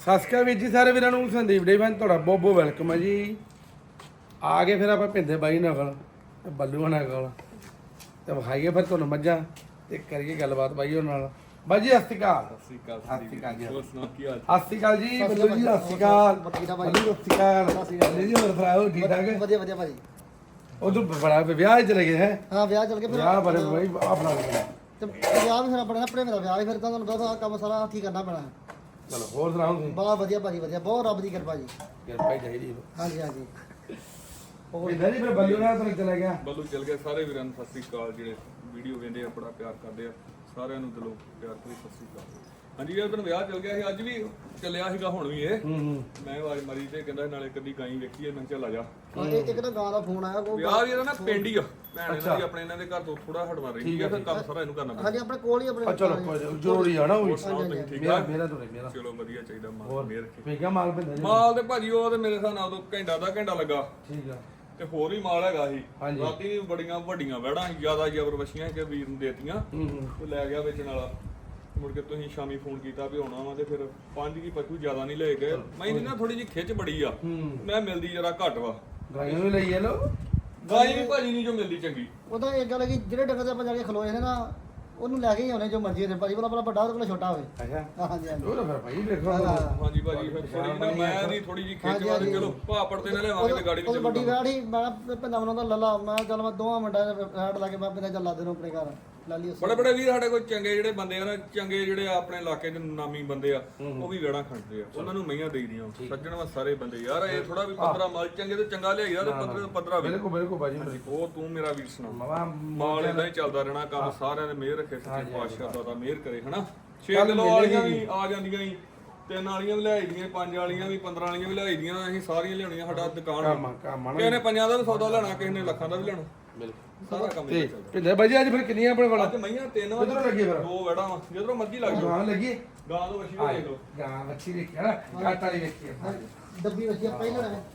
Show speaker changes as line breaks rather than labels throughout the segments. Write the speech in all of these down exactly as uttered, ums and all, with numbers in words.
ਸਤਿ ਸ਼੍ਰੀ ਅਕਾਲ ਵੀਰ ਜੀ ਸਾਰੇ ਵੀਰਾਂ ਨੂੰ। ਸੰਦੀਪ ਡੇ ਫੈਨ ਤੁਹਾਡਾ ਬਹੁਤ ਬਹੁਤ ਵੈਲਕਮ ਹੈ ਜੀ। ਆ ਗਏ ਫਿਰ ਆਪਾਂ ਭਿੰਦੇ ਬਾਈ ਨਾਲ ਕੋਲ ਤੇ ਬੱਲੂ ਨਾਲ ਕੋਲ ਤੇ ਵਿਖਾਈਏ ਫਿਰ ਤੁਹਾਨੂੰ ਮੱਝਾਂ ਤੇ ਕਰੀਏ ਗੱਲਬਾਤ ਬਾਈ ਉਹਨਾਂ ਨਾਲ। ਬਾਈ ਜੀ ਸਤਿ ਸ਼੍ਰੀ ਅਕਾਲ।
ਸਤਿ ਸ਼੍ਰੀ ਅਕਾਲ
ਸਤਿ ਸ਼੍ਰੀ ਅਕਾਲ ਜੀ।
ਹੋਰ ਸੁਣਾਓ ਕੀ ਹਾਲ?
ਸਤਿ ਸ਼੍ਰੀ ਅਕਾਲ ਜੀ ਬੱਲੂ ਜੀ। ਸਤਿ ਸ਼੍ਰੀ ਅਕਾਲ ਬੱਲੂ। ਸਤਿ ਸ਼੍ਰੀ ਅਕਾਲ ਜੀ। ਹੋਰ ਭਰਾਓ ਠੀਕ ਠਾਕ ਹੈ?
ਵਧੀਆ ਵਧੀਆ ਭਾਜੀ।
ਉਧਰ ਬੜਾ ਵਿਆਹ ਚਲੇ ਗਏ ਹੈ?
ਹਾਂ ਵਿਆਹ ਚੱਲ ਕੇ ਫਿਰ
ਵਿਆਹ ਬੜੇ ਬਾਈ ਆਪਣਾ
ਤੇ ਵਿਆਹ ਵੀ ਫਿਰ ਆਪਣੇ ਨਾ ਭਰੇ ਮੇਰਾ ਵਿਆਹ ਵੀ ਫਿਰ ਤਾਂ ਤੁਹਾਨੂੰ ਪਤਾ ਕੰਮ ਸਾਰਾ ਠੀਕ ਕਰਨਾ ਪੈਣਾ।
ਚਲੋ ਹੋਰ ਸੁਣਾਓ ਤੁਸੀਂ?
ਬਹੁਤ ਵਧੀਆ ਭਾਜੀ ਵਧੀਆ ਬਹੁਤ ਰੱਬ ਦੀ ਕਿਰਪਾ ਜੀ।
ਕਿਰਪਾ ਹੀ ਚਾਹੀਦੀ।
ਹਾਂਜੀ ਹਾਂਜੀ।
ਹੋਰ ਜੀ ਫਿਰ ਬੱਲੂ ਨਾਲ ਤਾਂ ਚਲੇ ਗਿਆ।
ਬੱਲੂ ਚੱਲ ਗਿਆ। ਸਾਰੇ ਵੀਰਾਂ ਨੂੰ ਸਤਿ ਸ਼੍ਰੀ ਅਕਾਲ ਜਿਹੜੇ ਵੀਡੀਓ ਵੇਖਦੇ ਆ ਬੜਾ ਪਿਆਰ ਕਰਦੇ ਆ ਸਾਰਿਆਂ ਨੂੰ ਦਿਲੋਂ ਪਿਆਰ ਭਰੀ ਸਤਿ ਸ਼੍ਰੀ ਅਕਾਲ। ਹਾਂਜੀ ਇਹ ਦਿਨ ਵਿਆਹ ਚੱਲ ਗਿਆ ਸੀ ਅੱਜ ਵੀ ਚੱਲਿਆ ਸੀਗਾ ਹੁਣ ਵੀ ਇਹ
ਹੂੰ ਹੂੰ
ਮੈਂ ਆਵਾਜ਼ ਮਾਰੀ ਤੇ ਕਹਿੰਦਾ ਨਾਲੇ ਕਦੀ ਗਾਈ ਵੇਖੀਏ ਮੈਂ ਚੱਲ ਆ ਜਾ।
ਹਾਂ ਇਹ ਇੱਕ ਤਾਂ ਗਾਂ ਦਾ ਫੋਨ ਆਇਆ ਉਹ
ਵਿਆਹ ਵੀ ਇਹਦਾ ਨਾ ਪਿੰਡ ਹੀ ਆ ਭੈਣ ਇਹਨਾਂ ਦੀ ਆਪਣੇ ਇਹਨਾਂ ਦੇ ਘਰ ਤੋਂ ਥੋੜਾ ਹਟਵਾ ਰਹੀ ਹੈ ਫਿਰ ਕੰਮ ਸਾਰਾ ਇਹਨੂੰ ਕਰਨਾ ਪੈਂਦਾ।
ਹਾਂਜੀ ਆਪਣੇ ਕੋਲ ਹੀ ਆਪਣੇ
ਆ ਚਲੋ ਕੋਈ ਨੀ, ਜ਼ਰੂਰੀ ਆ ਨਾ ਉਹ ਵੀ।
ਹੋਰ ਸੁਣਾਓ ਤੁਸੀਂ ਠੀਕ
ਮੇਰਾ
ਠਾਕ?
ਮੇਰਾ ਤੋਂ ਮੇਰਾ
ਚਲੋ ਵਧੀਆ ਚਾਹੀਦਾ ਮਾਲ
ਹੋਰ
ਮੇਰ ਕੇ
ਵੇਖਿਆ ਮਾਲ ਭਿੰਦਾ ਜੀ?
ਮਾਲ ਤੇ ਭਾਜੀ ਉਹ ਤੇ ਮੇਰੇ ਹਿਸਾਬ ਨਾਲ ਉਦੋਂ ਘੰਟਾ ਦਾ ਘੰਟਾ ਲੱਗਾ
ਠੀਕ ਆ।
ਤੇ ਹੋਰ ਵੀ ਮਾਲ ਹੈਗਾ ਸੀ
ਹਾਂਜੀ।
ਰਾਤੀ ਵੀ ਬੜੀਆਂ ਵੱਡੀਆਂ ਵੜਾਂ ਜਿਆਦਾ ਜ਼ਬਰ ਵਸ਼ੀਆਂ ਕਿ ਵੀਰ ਨੂੰ ਦੇਤੀਆਂ
ਹੂੰ ਹੂੰ
ਉਹ ਲੈ ਗਿਆ ਵੇਚਣ ਵਾਲਾ। ਮੁੜ ਕੇ ਤੁਸੀਂ ਸ਼ਾਮੀ ਫੋਨ ਕੀਤਾ ਵੀ ਆਉਣਾ ਵਾ ਤੇ ਫਿਰ ਪੰਜ ਕੀ ਪਸ਼ੂ ਜ਼ਿਆਦਾ ਨਹੀਂ ਲੈ ਗਏ। ਮੈਨੂੰ ਨਾ ਥੋੜੀ ਜਿਹੀ ਖਿੱਚ ਬੜੀ ਆ
ਹੂੰ
ਮੈਂ ਮਿਲਦੀ ਜਰਾ ਘੱਟ ਵਾ
ਗਾਈਆਂ ਵੀ ਲਈ ਲੋ।
ਗਾਈ ਵੀ ਭਾਜੀ ਨਹੀਂ ਜੋ ਮਿਲਦੀ ਚੰਗੀ।
ਉਹਦਾ ਇੱਕ ਗੱਲ ਹੈ ਕਿ ਜਿਹੜੇ ਡੰਗਰ ਤੇ ਆਪਾਂ ਜਾ ਕੇ ਖਲੋਏ ਨੇ ਨਾ ਉਹਨੂੰ ਲੈ ਕੇ ਹੀ ਆਉਣੇ ਜੋ ਮਰਜ਼ੀ ਹੋਵੇ ਭਾਜੀ। ਭਲਾ ਵੱਡਾ ਉਹਦੇ ਕੋਲ ਛੋਟਾ ਹੋਵੇ।
ਅੱਛਾ
ਹਾਂਜੀ ਹਾਂਜੀ।
ਉਹ ਤਾਂ ਫਿਰ ਭਾਈ ਵੇਖੋ।
ਹਾਂ।
ਹਾਂਜੀ ਭਾਜੀ ਫਿਰ ਥੋੜੀ ਨਾ ਮੈਂ ਨਹੀਂ ਥੋੜੀ ਜਿਹੀ ਖਿੱਚ
ਹਾਂਜੀ,
ਵਾ ਤੇ
ਹਾਂਜੀ।
ਚਲੋ ਭਾਪੜ ਤੇ ਨਾ ਲਿਆਵਾਂਗੇ ਤੇ ਗਾੜੀ ਵੀ
ਉਹ ਵੱਡੀ
ਚੱਲੂਗਾ।
ਵਿਆਹ ਹੀ ਮੈਂ ਪਿੰਡਾਂ ਮਨੋਂ ਦਾ ਲੱਲਾ ਮੈਂ ਚੱਲ ਮੈਂ ਦੋਵਾਂ ਮਿੰਟਾਂ ਦੇ ਰੈਡ ਲਾ ਕੇ ਮੈਂ ਪਿੰਡਾਂ ਚੱਲ ਲਾ ਦੇ ਨੂੰ ਆਪਣੇ ਘਰ ਲਾ ਲਈ ਉਸ
ਬੜੇ ਬੜੇ ਵੀਰ ਸਾਡੇ ਕੋਲ ਚੰਗੇ ਜਿਹੜੇ ਬੰਦੇ ਆ ਨਾ ਚੰਗੇ ਜਿਹੜੇ ਆਪਣੇ ਇਲਾਕੇ ਦੇ ਨਾਮੀ ਬੰਦੇ ਆ ਉਹ ਵੀ ਵੇੜਾ ਖੜਦੇ ਆ ਉਹਨਾਂ ਨੂੰ ਮਈਆਂ ਦੇਈਦੀਆਂ ਸੱਜਣ ਵਾ ਸਾਰੇ ਬੰਦੇ ਯਾਰ ਇਹ ਥੋੜਾ ਵੀ ਪੰਦਰਾਂ ਮਾਲ ਚੰਗੇ ਤੇ ਚੰਗਾ ਲਿਆਈਦਾ ਤੇ ਪੰਦਰਾਂ ਪੰਦਰਾਂ ਵੀ
ਬਿਲਕੁਲ ਬਿਲਕੁਲ ਭਾਜੀ।
ਉਹ ਤੂੰ ਮੇਰਾ ਵੀਰ ਸੁਣਾ
ਮਵਾ
ਮਾਲ ਇਦਾਂ ਹੀ ਚੱਲਦਾ ਰਹਿਣਾ ਕੰਮ ਸਾਰਿਆਂ ਨੇ ਮਿਹਰ ਰੱਖੇ ਸੱਚੇ ਪਾਤਸ਼ਾਹ ਦਾ ਤਾਂ ਮਿਹਰ ਕਰੇ ਹਨਾ। ਛੇ ਕਿਲੋ ਵਾਲੀਆਂ ਵੀ ਆ ਜਾਂਦੀਆਂ ਸੀ ਤਿੰਨ ਵਾਲੀਆਂ ਵੀ ਲਿਆਈ ਦੀਆਂ ਪੰਜ ਵਾਲੀਆਂ ਵੀ ਪੰਦਰਾਂ ਵਾਲੀਆਂ ਵੀ ਲਿਆਈ ਦੀਆਂ ਅਸੀਂ ਸਾਰੀਆਂ ਲਿਆਉਣੀਆਂ ਸਾਡਾ ਦੁਕਾਨ
ਕੰਮ ਕੰਮ
ਕਿਸੇ ਨੇ ਪੰਜਾਂ ਦਾ ਵੀ ਸੌਦਾ ਲੈਣਾ ਕਿਸੇ ਨੇ ਲੱਖਾਂ ਦਾ ਵੀ ਲੈਣਾ
ਬਿਲਕੁਲ
ਸਾਰਾ ਕੰਮ
ਤੇ
ਹੀ ਚੱਲਦਾ।
ਭਿੰਦੇ ਭਾਜੀ ਅੱਜ ਫਿਰ ਕਿੰਨੀਆਂ ਆਪਣੇ ਕੋਲ?
ਅੱਜ ਮਈਆਂ ਤਿੰਨ ਵਾ
ਕਿੱਧਰੋਂ ਲੱਗੀ ਫਿਰ?
ਦੋ ਵੜਾ ਵਾ ਜਿੱਧਰੋਂ ਮਰਜ਼ੀ ਲੱਗ ਜਾਓ।
ਗਾਂ ਲੱਗੀ
ਗਾਂ ਤੋਂ ਵਸ਼ੀ ਦੇਖ ਲਓ।
ਗਾਂ ਵੱਛੀ ਦੇਖਿਆ ਨਾ ਕਾਟਾ ਦੀ ਵੇਖੀ
ਡੱਬੀ ਵਿੱਚ ਪਹਿਲਾਂ ਨੇ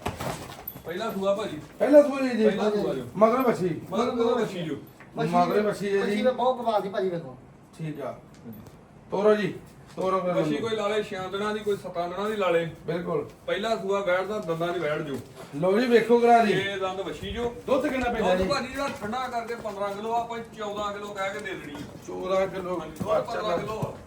ਪਹਿਲਾ ਸੂਆ ਭਾਜੀ
ਪਹਿਲਾਂ ਤੂੰ ਜੀ
ਪਹਿਲਾ ਸੂਆ ਜੋ
ਮਗਰ ਵੱਛੀ
ਮਗਰ ਮਗਰ ਵਸ਼ੀ ਜੋ
ਮਗਰ ਵੱਛੀ ਹੈ
ਮੱਛੀ
ਜੀ।
ਵੀ ਬਹੁਤ ਕਮਾਲ ਦੀ ਭਾਜੀ ਵੇਖੋ।
ਠੀਕ ਆ ਤੋਰੋ ਜੀ ਤੋਰੋ ਫਿਰ
ਵਸ਼ੀ ਕੋਈ ਲਾਲੇ ਛੇ ਦਿਨਾਂ ਦੀ ਕੋਈ ਸੱਤ ਦਿਨਾਂ ਦੀ ਲਾਲੇ।
ਬਿਲਕੁਲ
ਪਹਿਲਾ ਸੂਆ ਬੈਠਦਾ ਦੰਦਾਂ ਦੀ ਬੈਠ ਜੋ
ਲੋ ਜੀ ਵੇਖੋ ਕਰਾ ਦੀ
ਇਹ ਦੰਦ ਵਸ਼ੀ ਜੋ
ਦੁੱਧ ਕਿੰਨਾ ਪੈਂਦਾ
ਦੁੱਧ
ਜੀ?
ਭਾਜੀ ਜਿਹੜਾ ਠੰਡਾ ਕਰਕੇ ਪੰਦਰਾਂ ਕਿਲੋ ਆਪਾਂ ਚੌਦਾਂ ਕਿਲੋ ਕਹਿ ਕੇ ਦੇ ਦੇਣੀ ਆ।
ਚੌਦਾਂ ਕਿਲੋ
ਦੁੱਧ ਪੰਦਰਾਂ ਕਿਲੋ ਆ।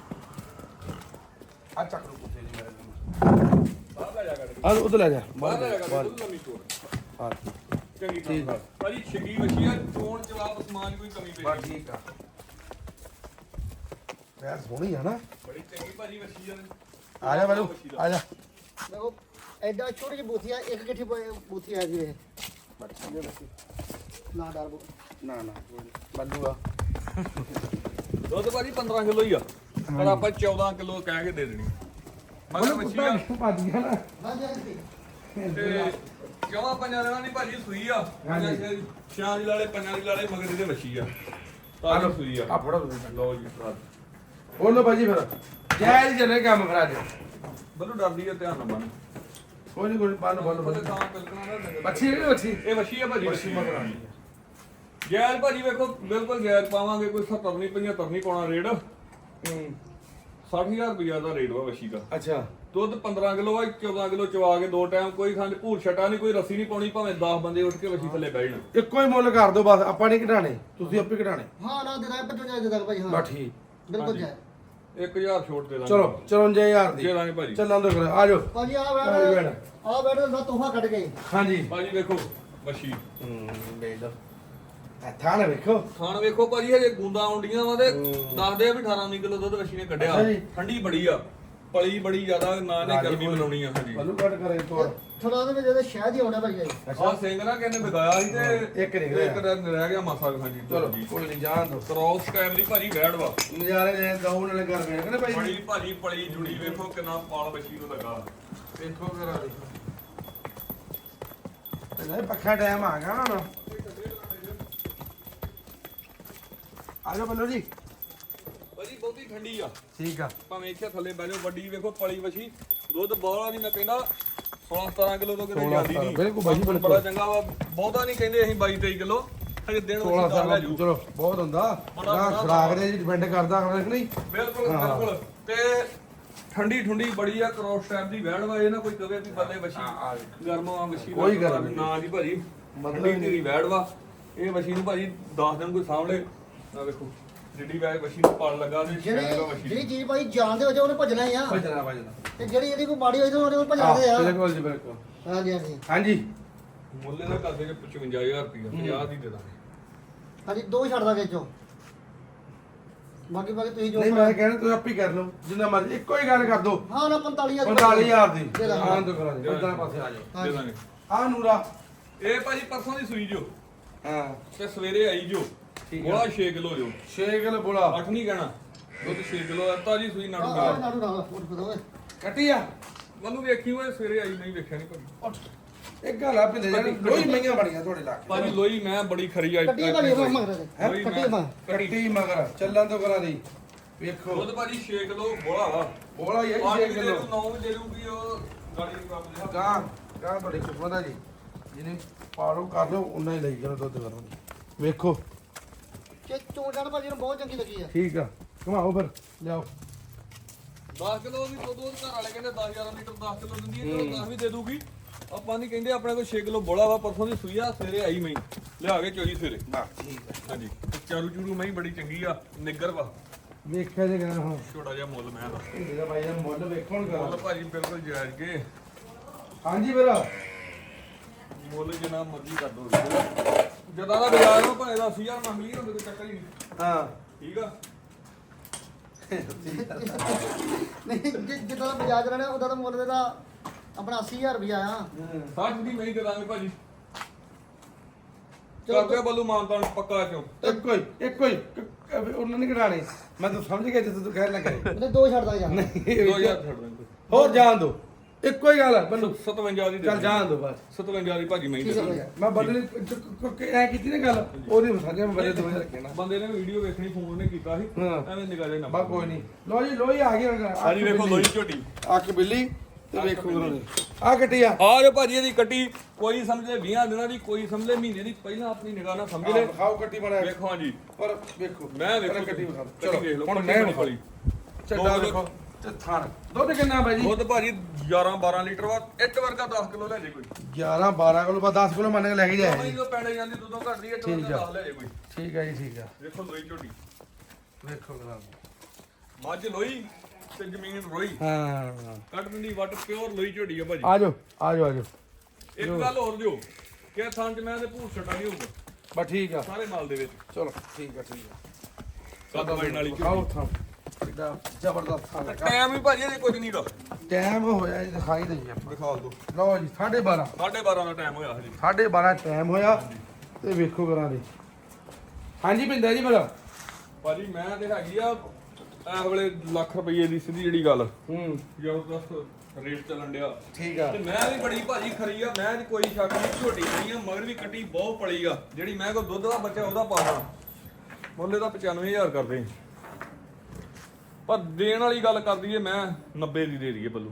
ਆ ਚੱਕ ਲੋ ਕੁੱਤੇ ਜੀ ਮੇਰੇ
ਬਾਹਰ ਲੈ ਜਾ ਕੱਢ ਕੇ।
ਆ ਉਧਰ ਲੈ ਜਾ
ਬਾਹਰ ਲੈ ਜਾ ਕੱਢ ਕੇ, ਦੁੱਧ ਲੰਮੀ ਚੋਰ
ਹਾਂ
ਚੰਗੀ
ਠੀਕ ਆ।
ਗੱਲ ਭਾਜੀ ਛਿੱਗੀ ਵਸ਼ੀ ਆ ਚੋਣ ਜਵਾਬ ਸਮਾਨ ਕੋਈ ਕਮੀ
ਬਾ
ਪਈ
ਠੀਕ ਆ। ਯਾਰ ਸੋਹਣੀ ਆ ਨਾ।
ਬੜੀ ਚੰਗੀ ਭਾਜੀ ਵਸ਼ੀ ਆ।
ਆ ਜਾ ਬਾਲੂ ਆ ਜਾ।
ਦੇਖੋ ਐਡਾ ਛੋਟੀ ਜਿਹੀ ਬੂਥੀ ਆ ਇੱਕ ਗਿੱਠੀ ਬੂਥੀ ਆ ਜੀ ਇਹ ਨਾ ਡਰ ਬੋ
ਨਾ ਨਾ ਬੱਲੂ ਆ
ਦੁੱਧ ਭਾਜੀ ਪੰਦਰਾਂ ਕਿਲੋ ਹੀ ਆ ਪਰ ਆਪਾਂ ਚੌਦਾਂ ਕਿਲੋ ਕਹਿ ਕੇ ਦੇ ਦੇਣੀ ਮਗਰ ਵਸ਼ੀ ਆ
ਭੱਜ ਗਿਆ ਨਾ।
ਹਾਂਜੀ ਹਾਂਜੀ।
ਤੇ ਕਿਉਂ ਪੰਜਾਂ ਦਿਨਾਂ ਦੀ ਭਾਜੀ ਸੂਈ ਆ
ਹਾਂਜੀ।
ਛਾਂ ਦੀ ਲਾਲੇ ਪੰਜਾਂ ਦੀ ਲਾਲੇ ਮਗਰ ਇਹਦੇ ਵਸ਼ੀ ਆ ਤਾਂ ਜੋ ਸੂਈ ਆ
ਆ ਫੜੋ ਤੁਸੀਂ
ਲਓ ਜੀ
ਬੋਲੋ ਭਾਜੀ ਫਿਰ ਜੈ ਜੀ ਜਨੇ ਕੰਮ ਕਰਾ ਦੇ।
ਬਲੂ ਡਰਦੀ ਆ ਧਿਆਨ ਨਾਲ ਬੰਨ
ਕੋਈ ਨਹੀਂ ਕੋਈ ਬੰਨ ਬੰਨ
ਉਹਦੇ
ਬੰਨ
ਤਾਂ ਕਲਕਣਾ ਨਾ
ਬੱਚੀ ਹੈ ਬੱਚੀ
ਇਹ ਵਸ਼ੀ ਆ ਭਾਜੀ
ਬੱਚੀ ਮਗਰ ਆ
ਗੈਰ ਭਾਜੀ ਵੇਖੋ ਬਿਲਕੁਲ ਗੈਰ ਪਾਵਾਂਗੇ ਕੋਈ ਸੱਤਰ ਨਹੀਂ ਪਝੱਤਰ ਨਹੀਂ ਪਾਉਣਾ ਰੇਟ
ਹੂੰ
ਸੱਠ ਹਜ਼ਾਰ ਰੁਪਇਆ ਦਾ ਰੇਟ ਵਾ ਵਸ਼ੀ ਦਾ।
ਅੱਛਾ
ਦੁੱਧ ਪੰਦਰਾਂ ਕਿਲੋ ਆ ਚੌਦਾਂ ਕਿਲੋ ਚਵਾ ਕੇ ਦੋ ਟਾਈਮ ਕੋਈ ਖੰਡ ਭੂਰ ਛਟਾ ਨਹੀਂ ਕੋਈ ਰੱਸੀ ਨਹੀਂ ਪਾਉਣੀ ਭਾਵੇਂ ਦਸ ਬੰਦੇ ਉੱਠ ਕੇ ਵਸ਼ੀ ਥੱਲੇ ਬਹਿ ਜਾਣ।
ਇੱਕੋ ਹੀ ਮੁੱਲ ਕਰ ਦਿਓ ਬਸ ਆਪਾਂ ਨਹੀਂ ਘਟਾਣੇ ਤੁਸੀਂ ਆਪੇ ਘਟਾਣੇ
ਹਾਂ ਨਾ ਦੇਦਾ ਪਚਵੰਜਾ ਦੇ ਦਾਂਗੇ ਭਾਈ ਹਾਂ
ਬਸ ਠੀਕ
ਬਿਲਕੁਲ ਜਾਏ।
ਇੱਕ ਹਜ਼ਾਰ ਛੋਟ ਦੇ ਦਾਂਗੇ
ਚਲੋ ਚੌਵੰਜਾ ਹਜ਼ਾਰ ਦੀ
ਦੇ ਦਾਂਗੇ ਭਾਜੀ।
ਚੱਲਾਂ ਦੋ ਫਿਰ ਆ ਜਾਓ
ਭਾਜੀ ਆ
ਆ
ਬੈਠ
ਬੈਠ।
ਆ ਬੈਠ ਦਾ ਤੋਹਫਾ ਕੱਢ ਗਏ।
ਹਾਂਜੀ
ਭਾਜੀ ਵੇਖੋ ਵਸ਼ੀ
ਹੂੰ ਵੇਚ ਦੋ ਥਾਂ ਨਾ ਵੇਖੋ
ਖਾਣ ਵੇਖੋ ਭਾਜੀ ਹਜੇ ਗੁੰਦਾ ਆਉਂਦੀਆਂ ਵਾ ਤੇ
ਹੂੰ।
ਦੱਸਦੇ ਆ ਵੀ ਅਠਾਰਾਂ ਉੱਨੀ ਕਿਲੋ ਦੁੱਧ ਵਸ਼ੀ ਨੇ ਕੱਢਿਆ
ਅੱਛਾ ਜੀ।
ਠੰਡੀ ਬੜੀ ਆ ਪਲੀ ਬੜੀ ਜ਼ਿਆਦਾ ਨਾ ਨੇ ਗਰਮੀ ਬਣਾਉਣੀ ਆ ਹਾਂਜੀ
ਬੱਲੂ ਕੱਟ ਕਰੇ ਤੋਰ
ਥੋੜਾ ਦੇ ਜਿਹਦੇ ਸ਼ਹਿਦ ਹੀ ਆਉਣਾ ਭਾਈ ਜੀ।
ਆਹ ਸਿੰਘ ਨਾ ਕਹਿੰਦੇ ਵਿਗਾਇਆ ਸੀ ਤੇ
ਇੱਕ ਰਹਿ ਗਿਆ।
ਇੱਕ ਰਹਿ ਗਿਆ ਮਾਸਾ ਹਾਂਜੀ
ਚਲੋ ਕੋਈ ਨਹੀਂ ਜਾਣ ਦੋ
ਕ੍ਰੋਸ ਟਾਈਮ ਦੀ ਭਾਜੀ ਵੈੜ ਵਾ
ਨਜ਼ਾਰੇ ਨੇ ਦਊ ਨਾਲੇ ਕਰ ਗਏ ਕਹਿੰਦੇ ਭਾਈ
ਬੜੀ ਭਾਜੀ ਪਲੀ ਜੁੜੀ ਵੇਖੋ ਕਿੰਨਾ ਪਾਲ ਵਸ਼ੀ ਨੂੰ ਲੱਗਾ।
ਦੇਖੋ ਕਰਾ ਦੇ ਇਹ ਪੱਖਾ ਟਾਈਮ ਆ ਗਿਆ ਨਾ ਆ ਜਾਓ ਬੱਲੂ ਜੀ
ਭਾਜੀ ਬਹੁਤੀ ਠੰਡੀ ਆ
ਠੀਕ ਆ
ਭਾਵੇਂ ਇੱਥੇ ਥੱਲੇ ਬਹਿ ਜਾਓ ਵੱਡੀ ਵੇਖੋ ਪਲੀ ਵਸ਼ੀ ਦੁੱਧ ਬੋਲਾ ਨਹੀਂ ਮੈਂ ਕਹਿੰਦਾ ਸੋਲਾਂ ਸਤਾਰਾਂ ਕਿਲੋ ਤੋਂ ਕਿਤੇ
ਸੋਲਾਂ
ਜਾਂਦੀ ਨਹੀਂ
ਬਿਲਕੁਲ ਭਾਜੀ, ਬਿਲਕੁਲ।
ਬੜਾ ਚੰਗਾ ਵਾ ਬਹੁਤਾ ਨਹੀਂ ਕਹਿੰਦੇ ਅਸੀਂ ਬਾਈ ਤੇਈ ਕਿਲੋ ਹਜੇ ਦਿਨ
ਸੋਲਾਂ
ਵਸ਼ੀ ਦਾ ਲੈ
ਸਾਲ
ਜੂ
ਚਲੋ ਬਹੁਤ ਹੁੰਦਾ
ਬੜਾ-
ਨਾ
ਬੜਾ
ਖਰਾਕ ਦੇ ਜੀ ਡਿਪੈਂਡ ਕਰਦਾ ਕਿ ਨਹੀਂ
ਬਿਲਕੁਲ
ਹਾਂ।
ਬਿਲਕੁਲ ਤੇ ਠੰਡੀ ਠੁੰਡੀ ਬੜੀ ਆ ਕ੍ਰੋਸ ਟਾਈਪ ਦੀ ਵੈੜ ਵਾ ਇਹ ਨਾ ਕੋਈ ਕਵੇ ਵੀ ਬੱਲੇ ਵਸ਼ੀ ਗਰਮ ਆ ਵਸ਼ੀ ਦਾ
ਕੋਈ ਗਰਮ ਨਹੀਂ।
ਨਾ ਜੀ ਭਾਜੀ ਮਤਲਬ ਦੀ ਵੈੜ ਵਾ ਇਹ ਵਸ਼ੀ ਨੂੰ ਭਾਜੀ ਦਸ ਦਿਨ ਕੋਈ ਸਾਹਮਣੇ ਆ ਵੇਖੋ ਜਿੱਡੀ ਵੈੜ ਵਸ਼ੀ ਨੂੰ ਪਲ ਲੱਗਾ ਤੇ
ਜਿਹੜੀ
ਸ਼ੈਲ ਵਸ਼ੀ
ਜਿਹੜੀ ਚੀਜ਼ ਭਾਈ ਜਾਣਦੇ ਹੋ ਜੇ ਉਹਨੇ ਭੱਜਣਾ ਹੀ ਆ
ਭਜਣਾ ਭਜਣਾ
ਤੇ ਜਿਹੜੀ ਇਹਦੀ ਕੋਈ ਮਾੜੀ ਹੋਈ ਤੇ ਉਹਨੇ ਭਜਾਦੇ ਆ
ਬਿਲਕੁਲ ਜੀ ਬਿਲਕੁਲ
ਹਾਂਜੀ ਹਾਂਜੀ
ਹਾਂਜੀ
ਮੁੱਲ ਦਾ ਕਰਦੇ ਜੇ ਪਚਵੰਜਾ ਹਜ਼ਾਰ ਰੁਪਇਆ ਪੰਜਾਹ ਦੀ ਦੇ ਦਾਂਗੇ
ਹਾਂਜੀ ਦੋ ਛੱਡਦਾ ਵਿੱਚੋਂ ਬਾਕੀ ਬਾਕੀ ਤੁਸੀਂ ਜੋ
ਨਹੀਂ ਮੈਂ ਕਹਿਣਾ ਤੁਸੀਂ ਆਪੇ ਕਰ ਲਓ ਜਿੰਨਾ ਮਰਜ਼ੀ ਇੱਕੋ ਹੀ ਗੱਲ ਕਰ ਦੋ
ਹਾਂ ਨਾ ਪੰਤਾਲੀ ਹਜ਼ਾਰ
ਪੰਤਾਲੀ ਹਜ਼ਾਰ ਦੀ
ਦੇ ਦਾਂਗੇ।
ਹਾਂ ਤੋਂ ਕਰਾ ਦੇ ਉਧਰ ਪਾਸੇ ਆ ਜਾਓ
ਦੇ ਦਾਂਗੇ
ਆ ਨੂਰਾ
ਇਹ ਭਾਜੀ ਪਰਸੋਂ ਦੀ ਸੂਈ ਜੋ
ਹਾਂ
ਤੇ ਸਵੇਰੇ ਆਈ ਜੋ
ਠੀਕ
ਬੋਲਾ ਛੇ ਕਿਲੋ ਜੋ
ਛੇ ਕਿਲੋ ਬੋਲਾ
ਅੱਠ ਨਹੀਂ ਕਹਿਣਾ ਦੁੱਧ ਛੇ ਕਿਲੋ ਆ ਤਾਜੀ ਸੂਈ ਨਾੜੂ
ਆਹ
ਮਿਲਾ
ਨਾੜੂ ਨਾਲ ਉੱਠ ਪਦੋ ਓਏ
ਕੱਟੀ ਆ
ਮੈਨੂੰ ਵੇਖੀ ਹੋਏ ਸਵੇਰੇ ਆਈ ਨਹੀਂ ਵੇਖਿਆ ਨਹੀਂ ਭਾਜੀ
ਉੱਠ ਇੱਕ ਗੱਲ ਆ ਪਿੰਦੇ ਜਾਨੀ ਲੋਈ ਮਈਆਂ ਬੜੀਆਂ ਤੁਹਾਡੇ ਲਾਗੇ
ਭਾਜੀ ਲੋਈ ਮੈਂ ਬੜੀ ਖਰੀ ਆਈ
ਕੱਟੀ ਵਾਲੀ ਉਹ ਮਗਰ ਦੇ
ਹੈਂ?
ਲੋਈ
ਕੱਟੀ
ਮੈਂ-
ਮਾ
ਕੱਟੀ ਮਗਰ ਚੱਲਾਂ ਤੋਂ ਕਰਾ ਦੀ ਵੇਖੋ
ਦੁੱਧ ਭਾਜੀ ਛੇ ਕਿਲੋ ਬੋਲਾ ਵਾ
ਬੋਲਾ ਹੀ
ਅੱਠ
ਛੇ
ਵੀ ਦੇ
ਕਿਲੋ
ਦੂ ਨੌ ਵੀ ਦੇ ਦੂਗੀ ਉਹ ਗਾੜੀ ਦੀ ਕੰਮ ਦੇ
ਗਾਂ ਗਾਂ ਤੁਹਾਡੇ ਕਿਸਮਤ ਆ ਜੀ ਜਿਹਨੇ ਪਾਲੋ ਕਰ ਲਓ ਉਨਾ ਹੀ ਲਈ ਜਾਣਾ ਦੁੱਧ ਕਰੋ ਵੇਖੋ
ਕਿ ਚੋਣ ਭਾਜੀ ਨੂੰ ਬਹੁਤ ਚੰਗੀ ਲੱਗੀ ਆ
ਠੀਕ ਆ ਘੁਮਾਓ ਫਿਰ ਲਿਆਓ
ਦਸ ਕਿਲੋ ਵੀ ਦੁੱਧ ਘਰ ਵਾਲੇ ਕਹਿੰਦੇ ਦਸ ਹਜ਼ਾਰ ਲੀਟਰ ਦਸ ਕਿਲੋ ਦਿੰਦੀ ਹੈ ਚਲੋ ਦਸ ਵੀ ਦੇ ਦੂਗੀ ਆਪਾਂ ਨਹੀਂ ਕਹਿੰਦੇ ਆਪਣੇ ਕੋਲ ਛੇ ਕਿਲੋ ਬੋਲਾ ਵਾ ਪਰਸੋਂ ਦੀ ਸੂਈ ਆ ਸਵੇਰੇ ਆਈ ਮੈਂ ਲਿਆ ਕੇ ਚੋਈ ਸਵੇਰੇ
ਬਾ ਠੀਕ ਆ
ਹਾਂਜੀ ਤੇ ਚਾਰੂ ਚੂਰੂ ਮੈਂ ਬੜੀ ਚੰਗੀ ਆ ਨਿੱਗਰ ਵਾ
ਵੇਖਿਆ ਜੇ ਕਹਿੰਦਾ ਹੁਣ
ਛੋਟਾ ਜਿਹਾ ਮੁੱਲ ਮੈਂ ਦਾ
ਇਹਦਾ ਭਾਈ ਦਾ ਮੁੱਲ ਵੇਖੋ ਹੁਣ
ਮੁੱਲ
ਕਰਾ
ਭਾਜੀ ਬਿਲਕੁਲ ਜਾਇਜ਼ ਕੇ
ਹਾਂਜੀ ਵੀਰ
ਮੁੱਲ ਜਿੰਨਾ ਮਰਜ਼ੀ ਕਰ ਦੋ ਜਦਾਂ ਦਾ ਬਾਜ਼ਾਰ ਨੂੰ ਭਾਵੇਂ ਦਾ ਅੱਸੀ ਹਜ਼ਾਰ ਮੰਗ ਲਈ ਹੁੰਦੇ ਕੋਈ ਚੱਕਰ ਹੀ ਨਹੀਂ
ਹਾਂ
ਠੀਕ ਆ
ਨਹੀਂ ਜਿ- ਜਿੱਦਾਂ ਦਾ ਬਜਾਜ ਰਹਿਣਾ ਉਹਦਾ ਤਾਂ ਮੁੱਲ ਇਹਦਾ ਆਪਣਾ ਅੱਸੀ ਹਜ਼ਾਰ ਰੁਪਇਆ ਆ
ਸੱਚ ਦੀ ਨਹੀਂ ਦੇ ਦਾਂਗੇ ਭਾਜੀ
ਚਲੋ
ਕਰਦੇ ਬੱਲੂ ਮਾਨਤਾਂ ਪੱਕਾ ਚੋਂ
ਇੱਕੋ ਹੀ ਇੱਕੋ ਹੀ ਕ- ਕ- ਉਹਨਾਂ ਨੇ ਕਢਾਣੇ ਮੈਂ ਤਾਂ ਸਮਝ ਗਿਆ ਜਦੋਂ ਤੂੰ ਕਹਿਣ ਲੱਗਾ
ਉਹਦੇ ਦੋ ਛੱਡਦਾ ਜਾ
ਨਹੀਂ
ਦੋ ਹਜ਼ਾਰ ਛੱਡ ਦਾਂਗੇ
ਹੋਰ ਜਾਣ ਦੋ ਇੱਕੋ ਹੀ ਗੱਲ ਹੈ ਬੰਨੂ
ਸਤਵੰਜਾ ਦੀ ਦੇ
ਚੱਲ ਜਾਣ ਦੋ ਬਸ
ਸਤਵੰਜਾ ਦੀ ਭਾਜੀ ਮੈਂ ਹੀ ਦੇ
ਠੀਕ ਹੈ
ਦਾਂਗੇ
ਭਾਈ।
ਮੈਂ ਬੰਦੇ ਐ ਕੀਤੀ ਨਾ ਗੱਲ ਉਹਦੀ ਸਮਝਿਆ ਮੈਂ ਬੰਦੇ ਦੋਵੇਂ ਰੱਖੇ ਨਾ
ਬੰਦੇ ਨੇ ਵੀਡੀਓ ਵੇਖਣੀ ਫੋਨ ਨੇ ਕੀਤਾ ਸੀ
ਹਾਂ।
ਐਵੇਂ ਨਿਗਾਹ ਜੇ ਨਾ
ਬਾ ਕੋਈ ਨਹੀਂ ਲੋ ਜੀ ਲੋਈ ਆ ਗਈ ਹੁਣ
ਹਾਂਜੀ ਵੇਖੋ ਲੋਈ ਝੋਟੀ
ਅੱਖ ਬਿੱਲੀ ਤੇ ਵੇਖੋ ਕਰੋ ਆ ਕੱਟੀ ਆ
ਆ ਜੋ ਭਾਜੀ ਇਹਦੀ ਕੱਟੀ ਕੋਈ ਸਮਝੇ ਵੀਹ ਦਿਨਾਂ ਦੀ ਕੋਈ ਸਮਝੇ ਮਹੀਨੇ ਦੀ ਪਹਿਲਾਂ ਆਪਣੀ ਨਿਗਾਹ ਨਾਲ ਸਮਝ ਲੈ
ਖਾਓ ਕੱਟੀ ਬਣਾ
ਵੇਖੋ ਹਾਂਜੀ
ਪਰ ਵੇਖੋ
ਮੈਂ ਵੇਖੋ
ਪਹਿਲਾਂ ਕੱਟੀ ਵਿਖਾ
ਕੱਟੀ ਵੇਖ ਲਓ
ਹੁਣ
ਕੱਟੀ
ਮੈਂ
ਬੜੀ
ਵਿਖਾ
ਖੋਲੀ
ਚੱਡਾ ਵੇਖੋ ਤੇ ਥਾਣ ਦੁੱਧ ਕਿੰਨਾ ਬਾਈ ਜੀ
ਦੁੱਧ ਭਾਜੀ ਗਿਆਰਾਂ ਬਾਰਾਂ ਲੀਟਰ ਵਾ ਇੱਕ ਵਰਗਾ ਦਸ ਕਿਲੋ ਲੈ ਜੇ ਕੋਈ
ਗਿਆਰਾਂ ਬਾਰਾਂ ਕਿਲੋ ਬਾ ਦਸ ਕਿਲੋ ਮੰਨ ਕੇ ਲੈ ਕੇ ਜਾਇਆ
ਭਾਈ
ਜੀ
ਉਹ ਪੈਣੇ ਜਾਂਦੀ ਦੁੱਧੋਂ ਘਟਦੀ ਇੱਕ
ਠੀਕ
ਵਰਗਾ
ਆ।
ਦਸ ਲੈ ਜੇ ਕੋਈ
ਠੀਕ ਹੈ ਜੀ ਠੀਕ ਹੈ
ਵੇਖੋ ਲੋਈ ਝੋਟੀ
ਵੇਖੋ ਕਰਾ
ਮੱਝ ਲੋਈ ਤੇ ਜ਼ਮੀਨ ਰੋਈ
ਹਾਂ
ਕੱਢ ਦਿੰਦੀ ਵੱਟ ਪਿਓਰ ਲੋਈ ਝੋਟੀ ਆ ਭਾਜੀ
ਆ ਜਾਓ ਆ ਜਾਓ ਆ ਜਾਓ
ਇੱਕ ਗੱਲ ਹੋਰ ਦਿਓ ਕਿ ਥਾਂ ਚ ਮੈਂ ਤੇ ਭੂਰ ਛਟਾ ਨਹੀਂ ਹੋਊਗਾ
ਬਸ ਠੀਕ ਆ
ਸਾਰੇ ਮਾਲ ਦੇ ਵਿੱਚ
ਚਲੋ ਠੀਕ ਆ ਠੀਕ ਆ
ਕੱਦ ਵੜਨ ਵਾਲੀ
ਖਾਓ
ਝੋਟੀ
ਥਾਂ ਇਹਦਾ ਜ਼ਬਰਦਸਤ ਥਾਂ ਲੱਗਾ
ਟਾਈਮ ਵੀ ਭਾਜੀ ਇਹਦੇ ਕੁਝ ਨਹੀਂ ਦਾ
ਟਾਈਮ ਹੋਇਆ ਜੀ ਦਿਖਾਈ ਦਈਏ ਆਪਾਂ
ਦਿਖਾ ਦਿਓ
ਲਓ ਜੀ ਸਾਢੇ ਬਾਰਾਂ
ਸਾਢੇ ਬਾਰਾਂ ਦਾ ਟਾਈਮ ਹੋਇਆ ਹਜੇ
ਸਾਢੇ ਬਾਰਾਂ ਟਾਈਮ ਹੋਇਆ ਤੇ ਵੇਖੋ ਕਰਾਂ ਦੇ ਹਾਂਜੀ ਪਿੰਦਾ ਜੀ ਮੇਰਾ
ਭਾਜੀ ਮੈਂ ਤੇ ਹੈਗੀ ਆ ਇਸ ਵੇਲੇ ਲੱਖ ਰੁਪਏ ਦੀ ਸਿੱਧੀ ਜਿਹੜੀ ਗੱਲ
ਹੂੰ
ਜ਼ਬਰਦਸਤ ਰੇਟ ਚੱਲਣ ਡਿਆ
ਠੀਕ ਆ
ਤੇ ਮੈਂ ਵੀ ਬੜੀ ਭਾਜੀ ਖਰੀ ਆ ਮੈਂ ਤੇ ਕੋਈ ਸ਼ੱਕ ਨਹੀਂ ਝੋਟੀ ਨਹੀਂ ਆ ਮਗਰ ਵੀ ਕੱਟੀ ਬਹੁਤ ਪਲੀ ਆ ਜਿਹੜੀ ਮੈਂ ਕੋ ਦੁੱਧ ਦਾ ਬੱਚਾ ਉਹਦਾ ਪਾਣਾ ਮੁੱਲੇ ਦਾ ਪਚਾਨਵੇਂ ਹਜ਼ਾਰ ਕਰਦੇ ਪਰ ਦੇਣ ਵਾਲੀ ਗੱਲ ਕਰ ਦਈਏ ਮੈਂ ਨੱਬੇ ਦੀ ਦੇ ਦਈਏ ਬੱਲੂ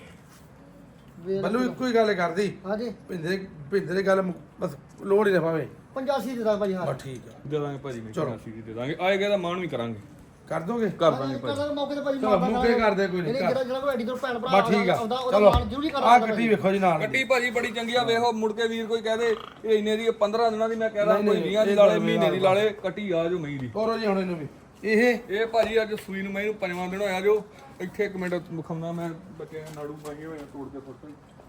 ਵੇਖ
ਬੱਲੂ ਇੱਕੋ ਹੀ ਗੱਲ ਕਰਦੀ
ਹਾਂਜੀ
ਭਿੰਦੇ ਭਿੰਦੇ ਦੀ ਗੱਲ ਮੁ- ਬਸ ਲੋੜ ਹੀ ਨਾ ਪਾਵੇ
ਪਚਾਸੀ ਦੇ ਦਾਂ ਭਾਜੀ ਹਾਂ
ਬਸ ਠੀਕ ਆ
ਦੇ ਦਾਂਗੇ ਭਾਜੀ ਮੈਂ
ਚਲੋ।
ਚੌਰਾਸੀ ਦੀ ਦੇ ਦਾਂਗੇ ਆਏਗਾ ਤਾਂ ਮਾਣ ਵੀ ਕਰਾਂਗੇ
ਕਰ ਦੋਗੇ
ਕਰ ਦਾਂਗੇ ਭਾਜੀ
ਕਰਾਂਗੇ ਮੌਕੇ ਤੇ ਭਾਜੀ
ਚਲੋ,
ਮਾਰਦਾ
ਮੌਕੇ ਕਰਦੇ ਕੋਈ ਨਹੀਂ,
ਇਹਨੇ ਜਿਹੜਾ ਜਿਹੜਾ ਕੋਈ ਐਡੀ ਤੋਂ ਭੈਣ ਭਰਾ
ਬਸ ਠੀਕ ਆ
ਆਉਂਦਾ ਉਹਦਾ
ਚਲੋ
ਮਾਨ ਜ਼ਰੂਰੀ
ਆ
ਕਰਾਂਗਾ
ਕੱਟੀ ਵੇਖੋ ਜੀ ਨਾਲ
ਕੱਟੀ ਭਾਜੀ ਬੜੀ ਚੰਗੀ ਆ ਵੇਖੋ ਮੁੜ ਕੇ ਵੀਰ ਕੋਈ ਕਹਦੇ ਇਹ ਇੰਨੇ ਦੀ ਪੰਦਰਾਂ ਦਿਨਾਂ ਦੀ ਮੈਂ ਕਹਿਦਾ
ਨਹੀਂ,
ਕੋਈ
ਨਹੀਂ,
ਵੀਹਾਂ ਦੀ
ਇਹ
ਲਾਲੇ
ਗੱਲ
ਮਹੀਨੇ ਦੀ
ਮੇਰਾ
ਲਾਲੇ ਕੱਟੀ ਆ ਜੋ ਮਈ ਦੀ
ਤੋਰੋ ਜੀ ਹੁਣ ਇਹਨੂੰ ਵੀ ਇਹ
ਇਹ ਭਾਜੀ ਅੱਜ ਸੂਈ ਨੂੰ ਮੈਂ ਇਹਨੂੰ ਪੰਜਵਾਂ ਦਿਨ ਹੋਇਆ ਜੋ ਇੱਥੇ ਇੱਕ ਮਿੰਟ ਵਿਖਾਉਣਾ ਮੈਂ ਬੱਚੇ ਨਾੜੂ ਪਾਏ ਹੋਏ ਆ ਤੋੜ ਕੇ ਫੋਟੋ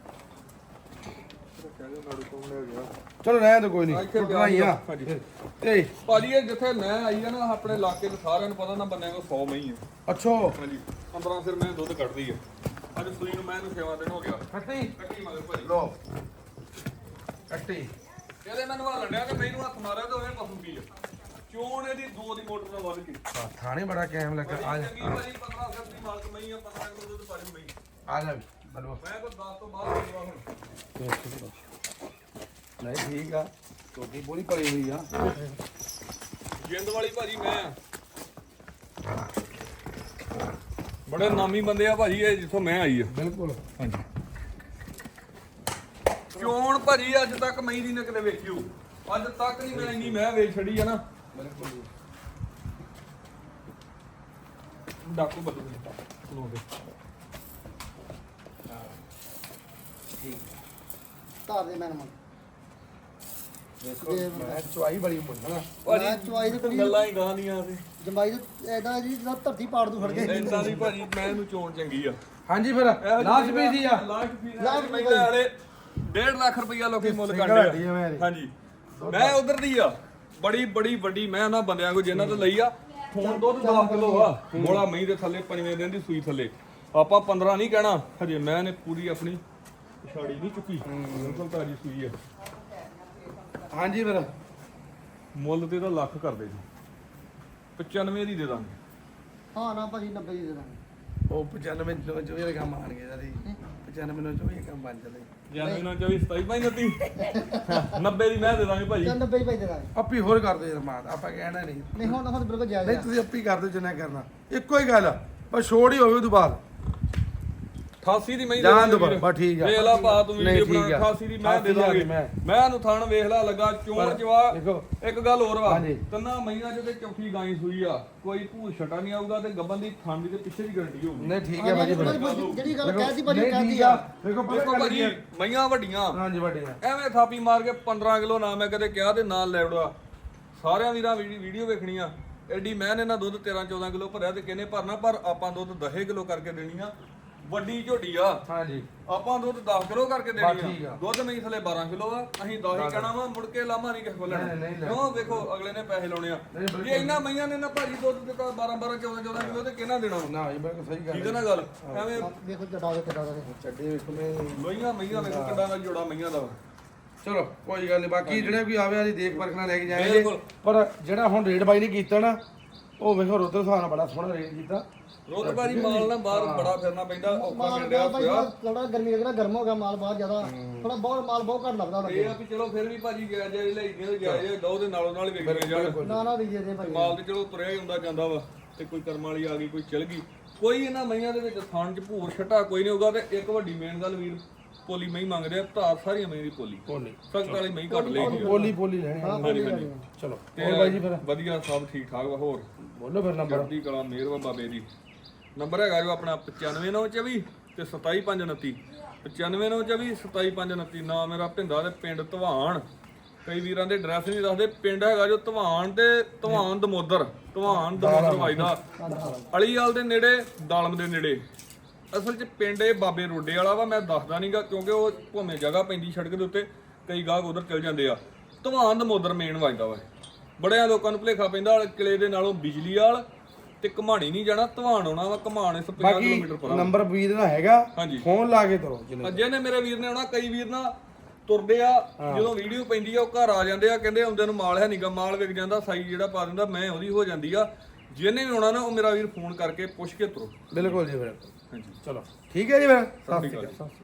ਕਹਿੰਦੇ ਨਾੜੂ ਕੋਲ ਲੈ ਗਿਆ
ਚਲੋ ਰਹਿਣ ਦੋ ਕੋਈ ਨਹੀਂ
ਇੱਥੇ
ਟੁੱਟਣਾ ਹੀ ਆ
ਹਾਂਜੀ।
ਤੇ
ਭਾਜੀ ਇਹ ਜਿੱਥੇ ਮੈਂ ਆਈ ਆ ਨਾ ਆਪਣੇ ਇਲਾਕੇ ਦੇ ਸਾਰਿਆਂ ਨੂੰ ਪਤਾ ਨਾ ਬੰਨਿਆ ਕੋ ਸੌ ਮਈ ਆ
ਅੱਛੋ
ਹਾਂਜੀ ਪੰਦਰਾਂ ਸਿਰ ਮੈਂ ਦੁੱਧ ਕੱਢਦੀ ਆ ਅੱਜ ਸੂਈ ਨੂੰ ਮੈਂ ਇਹਨੂੰ ਛੇਵਾਂ ਦਿਨ ਹੋ ਗਿਆ
ਕੱਟੀ
ਕੱਟੀ ਮਗਰ ਭਾਜੀ
ਲੋ ਕੱਟੀ
ਇਹਦੇ ਮੈਨੂੰ ਆ ਲੰਡਿਆ ਤੇ ਮੈਨੂੰ ਹੱਥ ਮਾਰਿਆ ਤੇ ਉਹਨੇ ਪਸੂ ਪੀ ਆ ਚੋਣ ਇਹਦੀ ਦੋ ਦੀ ਮੋਟਰ ਨਾਲ ਵੱਧ ਕੇ
ਆ, ਥਾਣੇ ਬੜਾ ਕਾਇਮ ਲੱਗਾ ਆ ਜਾ
ਚੰਗੀ ਭਾਜੀ ਪੰਦਰਾਂ ਸਿਰ ਦੀ ਮਾਲਕ ਮਈ ਆ ਪੰਦਰਾਂ ਕਿਲੋ ਦੁੱਧ ਪਾਣੀ ਮਈ
ਆ ਜਾ ਵੀ ਬਲਵਾ
ਮੈਂ ਕੋ ਦਸ ਤੋਂ ਬਾਅਦ ਹੋਊਗਾ ਹੁਣ
ਨਹੀਂ ਠੀਕ ਆ ਛੋਟੀ ਬੋਲੀ ਭਰੀ ਹੋਈ ਆ
ਜਿੰਦ ਵਾਲੀ ਭਾਜੀ ਮੈਂ ਆ। ਬੜੇ ਨਾਮੀ ਬੰਦੇ ਆ ਭਾਜੀ ਇਹ ਜਿੱਥੋਂ ਮੈਂ ਆਈ ਆ
ਬਿਲਕੁਲ
ਹਾਂਜੀ ਚੋਣ ਭਾਜੀ ਅੱਜ ਤੱਕ ਮਈ ਦੀ ਨਾ ਕਿਤੇ ਵੇਖਿਓ ਅੱਜ ਤੱਕ ਨਹੀਂ ਮੈਂ ਇੰਨੀ ਮੈਂ ਵੇਚ ਛੜੀ ਆ ਨਾ
ਬਿਲਕੁਲ
ਡਾਕੂ ਬੱਦੂ ਖਲੋਦੇ
ਠੀਕ
ਧਾਰ ਦੇ ਮੈਨ ਮਨ
ਦੇਖੋ ਮੈਂ ਚੁਆਈ ਬੜੀ ਮੁੰਡਾ
ਭਾਜੀ
ਮੈਂ ਚੁਆਈ ਦੀ ਕੁੜੀ
ਗੱਲਾਂ ਹੀ ਗਾਂ ਦੀਆਂ ਤੇ
ਜੰਬਾਈ ਦੇ ਐਦਾ ਜੀ ਜਿੱਦਾਂ ਧਰਤੀ ਪਾੜ ਦੂ ਫੜ ਕੇ
ਇਦਾਂ ਦੀ ਭਾਜੀ ਮੈਂ ਇਹਨੂੰ ਚੋਣ ਚੰਗੀ ਆ
ਹਾਂਜੀ ਫਿਰ ਲਾਸਟ ਵੀ ਸੀ ਆ
last fees
last
last
fees
ਵਾਲੇ ਡੇਢ ਲੱਖ ਰੁਪਈਆ ਲੋਕੀ ਮੁੱਲ
ਸਿੰਗਲ
ਕਰਦੇ
ਹੱਡੀ ਆ ਮੈਂ
ਆ
ਇਹਦੀ।
ਹਾਂਜੀ ਮੈਂ ਉਧਰ ਦੀ ਆ ਬੜੀ ਬੜੀ ਵੱਡੀ ਮੈਂ ਉਹਨਾਂ ਬੰਦਿਆਂ ਕੋ ਜਿਨ੍ਹਾਂ ਤੋਂ ਲਈ ਆ ਹੁਣ ਦੁੱਧ ਦਸ ਕਿਲੋ ਆ ਮੋਲਾ ਮਹੀਂ ਦੇ ਥੱਲੇ ਪੰਜਵੇਂ ਦਿਨ ਦੀ ਸੂਈ ਥੱਲੇ ਆਪਾਂ ਪੰਦਰਾਂ ਨਹੀਂ ਕਹਿਣਾ ਹਜੇ ਮੈਂ ਨੇ ਪੂਰੀ ਆਪਣੀ ਛਾੜੀ ਨਹੀਂ ਚੁੱਕੀ ਬਿਲਕੁਲ ਤਾਜੀ ਸੂਈ ਆ
ਹਾਂਜੀ ਫਿਰ
ਮੁੱਲ ਤੇ ਤਾਂ ਲੱਖ ਕਰਦੇ ਜੀ ਪਚਾਨਵੇਂ ਦੀ ਦੇ ਦਾਂਗੇ
ਹਾਂ ਨਾ ਭਾਜੀ ਨੱਬੇ ਦੀ ਦੇ ਦਾਂਗੇ
ਉਹ ਪਚਾਨਵੇਂ ਨੂੰ ਚੋਏ ਦਾ ਕੰਮ ਆਣ ਗਿਆ ਜੀ ਪਚਾਨਵੇਂ ਨੂੰ ਚੋਏ ਕੰਮ ਬਣ ਚੱਲੇ
ਜਾਨੀ ਨਾ ਚੌਵੀ ਸਤਾਈ ਪਾਈ ਨੱਤੀ ਨੱਬੇ ਦੀ ਮੈਂ ਦੇ ਦਾਂਗੇ ਭਾਜੀ
ਚੱਲ ਨੱਬੇ ਦੀ ਭਾਈ ਦੇ ਦਾਂਗੇ
ਆਪੀ ਹੋਰ ਕਰ ਦਿਓ ਰਮਾਨ ਆਪਾਂ ਕਹਿਣਾ ਨਹੀਂ
ਨਹੀਂ ਹੁਣ ਹੁਣ ਬਿਲਕੁਲ ਜਾਇਜ਼
ਨਹੀਂ
ਆ
ਤੁਸੀਂ ਆਪੀ ਕਰ ਦਿਓ ਜਿੰਨਾ ਕਰਨਾ ਇੱਕੋ ਹੀ ਗੱਲ ਆ ਪਰ ਛੋੜ ਹੀ ਹੋਵੇ ਉਦੋਂ ਬਾਅਦ
ਅਠਾਸੀ ਦੀ ਮੈਂ
ਜਾਣ ਦਿਓ ਬਸ, ਬਸ ਠੀਕ ਆ।
ਵੇਖ ਲਾ ਪਾ ਤੂੰ
ਨਹੀਂ,
ਵੀਡੀਓ
ਠੀਕ
ਬਣਾ
ਆ।
ਅਠਾਸੀ ਦੀ ਮੈਂ ਦੇ ਦਾਂਗੇ
ਮੈਂ।
ਮੈਂ ਨੂੰ ਥਣ ਵੇਖ ਲਾ ਲੱਗਾ ਚੋਣ
ਪਰ
ਚਵਾ
ਦੇਖੋ।
ਇੱਕ ਗੱਲ ਹੋਰ ਵਾ
ਹਾਂਜੀ।
ਤੰਨਾ ਮਹੀਨਾ ਜਿਹਦੇ ਚੌਥੀ ਗਾਈ ਸੂਈ ਆ ਕੋਈ ਭੂਤ ਛਟਾ ਨਹੀਂ ਆਊਗਾ ਤੇ ਗੱਬਨ ਦੀ ਥਣ ਦੀ ਤੇ ਪਿੱਛੇ ਦੀ ਗਰੰਟੀ ਹੋਊਗੀ
ਨਹੀਂ ਠੀਕ ਹੈ ਭਾਜੀ ਫਿਰ
ਜਿਹੜੀ ਗੱਲ ਕਹਿਤੀ
ਨਹੀਂ,
ਭਾਜੀ
ਠੀਕ
ਕਹਿਤੀ
ਆ।
ਆ
ਦੇਖੋ ਪਤਾ
ਦੇਖੋ
ਗੱਲ ਕੀ
ਭਾਜੀ
ਆ?
ਮਈਆਂ ਵੱਡੀਆਂ
ਹਾਂਜੀ ਵੱਡੀਆਂ
ਐਵੇਂ ਥਾਪੀ ਮਾਰ ਕੇ ਪੰਦਰਾਂ ਕਿਲੋ ਨਾ ਮੈਂ ਕਦੇ ਕਿਹਾ ਤੇ ਨਾਲ ਲੈ ਵੜਾ ਸਾਰਿਆਂ ਵੀਰਾਂ ਵੀਡੀ- ਵੀਡੀਓ ਵੇਖਣੀ ਆ ਐਡੀ ਮੈਂ ਨੇ ਨਾ ਦੁੱਧ ਤੇਰਾਂ ਚੌਦਾਂ ਕਿਲੋ ਭਰਿਆ ਤੇ ਕਿਹਨੇ ਭਰਨਾ ਪਰ ਆਪਾਂ ਦੁੱਧ ਦਸ ਕਿਲੋ ਕਰਕੇ ਦੇਣੀ ਆ ਵੱਡੀ ਝੋਟੀ ਆ
ਹਾਂਜੀ
ਆਪਾਂ ਦੁੱਧ ਦਸ ਕਿਲੋ ਕਰਕੇ
ਬਸ ਠੀਕ
ਦੇਣੀ
ਆ।
ਆ ਦੁੱਧ ਨਹੀਂ ਥਲੇ ਬਾਰਾਂ ਕਿਲੋ ਆ ਅਸੀਂ ਦਸ ਹੀ ਕਹਿਣਾ ਵਾ ਮੁੜ ਕੇ ਲਾਮਾ ਨਹੀਂ ਕਿਸੇ ਕੋਲ
ਨਹੀਂ,
ਲੈਣਾ
ਨਹੀਂ ਲੈਣਾ।
ਕਿਉਂ ਵੇਖੋ ਅਗਲੇ ਨੇ ਪੈਸੇ ਲਾਉਣੇ ਆ
ਨਹੀਂ, ਬਿਲਕੁਲ।
ਜੇ ਇੰਨਾ ਮਈਆਂ ਨੇ ਨਾ ਭਾਜੀ ਦੁੱਧ ਦਿੱਤਾ ਬਾਰਾਂ ਬਾਰਾਂ ਚੌਦਾਂ ਚੌਦਾਂ ਕਿਲੋ ਤੇ ਕਿਹਨਾਂ ਦੇਣਾ ਵਾ?
ਨਾ ਇਹ ਬਿਲਕੁਲ ਸਹੀ ਗੱਲ
ਠੀਕ ਹੈ ਨਾ ਗੱਲ ਐਵੇਂ
ਵੇਖੋ ਜੱਡਾ ਦੇ ਕਿੱਦਾਂ ਦਾ
ਚੱਡੇ ਵੇਖੋ ਮੈਂ
ਲੋਈਆਂ ਮਈਆਂ ਵੇਖੋ ਕਿੱਡਾ ਦਾ ਜੋੜਾ ਮਈਆਂ ਦਾ ਵਾ।
ਚਲੋ ਕੋਈ ਗੱਲ ਨਹੀਂ ਬਾਕੀ ਜਿਹੜੇ ਕੋਈ ਆਵੇ ਵਾਲੀ ਦੇਖ ਪਰਖ ਨਾਲ ਲੈ ਕੇ ਜਾਣਗੇ
ਬਿਲਕੁਲ।
ਪਰ ਜਿਹੜਾ ਹੁਣ ਰੇਟ ਬਾਈ ਨੇ ਕੀਤਾ ਨਾ ਉਹ ਵੇਖੋ ਰੋਦਰ ਹਿਸਾਬ ਨਾਲ ਬੜਾ ਸੋਹਣਾ ਰੇਟ ਕੀਤਾ
ਰੋਜ਼ਗਾਰੀ ਮਾਲ ਨਾ ਬਾਹਰ ਬੜਾ ਫਿਰਨਾ ਪੈਂਦਾ ਔਖਾ
ਮਾਲ
ਮਿਲਦਾ
ਭਾਈ
ਹੋਇਆ
ਥੋੜਾ ਗਰਮੀ ਲੱਗਣਾ ਗਰਮ ਹੋ ਗਿਆ ਮਾਲ ਬਹੁਤ ਜ਼ਿਆਦਾ ਥੋੜਾ ਬਹੁਤ ਮਾਲ ਬਹੁਤ ਘੱਟ ਲੱਗਦਾ
ਇਹ
ਲੱਗੇ
ਆ ਵੀ ਚਲੋ ਫਿਰ ਵੀ ਭਾਜੀ ਗਿਆ ਜਾਈ ਲਈ ਗਏ ਜਾਏ ਦੋ ਦੇ ਨਾਲੋਂ ਨਾਲ ਹੀ ਵੇਖਣੇ ਜਾਣ
ਨਾ ਨਾ ਵੀਜੇ ਦੇ ਭਾਈ
ਮਾਲ ਤੇ ਚਲੋ ਤੁਰਿਆ ਹੀ ਹੁੰਦਾ ਜਾਂਦਾ ਵਾ ਤੇ ਕੋਈ ਕਰਮ ਵਾਲੀ ਆ ਗਈ ਕੋਈ ਚਲ ਗਈ ਕੋਈ ਇਹਨਾਂ ਮਈਆਂ ਦੇ ਵਿੱਚ ਥਾਣ ਚ ਭੂਰ ਛਟਾ ਕੋਈ ਨਹੀਂ ਹੋਊਗਾ ਤੇ ਇੱਕ ਵੱਡੀ ਮੇਨ ਗੱਲ ਵੀਰ ਪੋਲੀ ਮਈ ਮੰਗਦੇ ਆ ਧਾਰ ਸਾਰੀਆਂ ਮਈ ਦੀ ਪੋਲੀ
ਪੋਲੀ
ਸਖਤ ਵਾਲੀ ਮਈ ਘੱਟ ਲਈ
ਪੋਲੀ ਪੋਲੀ ਲੈਣੀ ਆ।
ਹਾਂਜੀ ਹਾਂਜੀ
ਚਲੋ
ਤੇ
ਹੋਰ ਬਾਈ ਜੀ ਫਿਰ
ਵਧੀਆ ਸਭ ਠੀਕ ਠਾਕ ਵਾ ਹੋਰ
ਬੋਲੋ ਫਿਰ ਨੰਬਰ
ਚੜ੍ਹਦੀ ਕਲਾ ਮਿਹਰ ਵਾ ਬਾਬੇ ਦੀ ਨੰਬਰ ਹੈਗਾ ਜੋ ਆਪਣਾ ਪਚਾਨਵੇਂ ਨੌ ਚੌਵੀ ਤੇ ਸਤਾਈ ਪੰਜ ਉਨੱਤੀ ਪਚਾਨਵੇਂ ਨੌ ਚੌਵੀ ਸਤਾਈ ਪੰਜ ਉਨੱਤੀ ਨਾਮ ਮੇਰਾ ਭਿੰਦਾ ਤੇ ਪਿੰਡ ਧਵਾਨ ਕਈ ਵੀਰਾਂ ਦੇ ਐਡਰੈਸ ਨਹੀਂ ਦੱਸਦੇ ਪਿੰਡ ਹੈਗਾ ਜੋ ਧਵਾਨ ਤੇ ਧਵਾਨ ਦਮੋਦਰ ਧਵਾਨ ਦਮੋਦਰ ਵਜਦਾ ਅਲੀਵਾਲ ਦੇ ਨੇੜੇ ਦਾਲਮ ਦੇ ਨੇੜੇ ਅਸਲ 'ਚ ਪਿੰਡ ਇਹ ਬਾਬੇ ਰੋਡੇ ਵਾਲਾ ਵਾ ਮੈਂ ਦੱਸਦਾ ਨਹੀਂਗਾ ਕਿਉਂਕਿ ਉਹ ਭੋਵੇਂ ਜਗ੍ਹਾ ਪੈਂਦੀ ਸੜਕ ਦੇ ਉੱਤੇ ਕਈ ਗਾਹਕ ਉਧਰ ਚਲ ਜਾਂਦੇ ਆ ਧਵਾਨ ਦਮੋਦਰ ਮੇਨ ਵਜਦਾ ਵਾ ਬੜਿਆਂ ਲੋਕਾਂ ਨੂੰ ਭੁਲੇਖਾ ਪੈਂਦਾ ਕਿਲੇ ਦੇ ਨਾਲੋਂ ਬਿਜਲੀ ਵਾਲ ਤੇ ਘਮਾਣੀ ਨਹੀਂ ਜਾਣਾ ਧਵਾਨ ਆਉਣਾ ਵਾ ਘਮਾਣ ਇਸ ਪੰਜਾਹ
ਬਾਕੀ
ਕਿਲੋਮੀਟਰ ਪਰ
ਨੰਬਰ ਵੀਰ ਦਾ ਹੈਗਾ
ਹਾਂਜੀ।
ਫੋਨ ਲਾ ਕੇ ਤਰੋ ਜਿੰਨੇ
ਅੱਜੇ ਨੇ ਮੇਰੇ ਵੀਰ ਨੇ ਆਉਣਾ ਕਈ ਵੀਰ ਨਾ ਤੁਰਦੇ ਆ ਜਦੋਂ ਵੀਡੀਓ ਪੈਂਦੀ ਆ ਉਹ ਘਰ ਆ ਜਾਂਦੇ ਆ ਕਹਿੰਦੇ ਆਉਂਦੇ ਨੂੰ ਮਾਲ ਹੈ ਨਹੀਂਗਾ ਮਾਲ ਵਿਕ ਜਾਂਦਾ ਸਾਈ ਜਿਹੜਾ ਪਾ ਦਿੰਦਾ ਮੈਂ ਉਹਦੀ ਹੋ ਜਾਂਦੀ ਆ ਜਿਹਨੇ ਵੀ ਆਉਣਾ ਨਾ ਉਹ ਮੇਰਾ ਵੀਰ ਫੋਨ ਕਰਕੇ ਪੁੱਛ ਕੇ ਤੁਰੋ
ਬਿਲਕੁਲ ਜੀ ਬਿਲਕੁਲ
ਹਾਂਜੀ
ਚਲੋ ਠੀਕ ਹੈ ਜੀ ਫਿਰ
ਸਤਿ ਸ਼੍ਰੀ ਅਕਾਲ।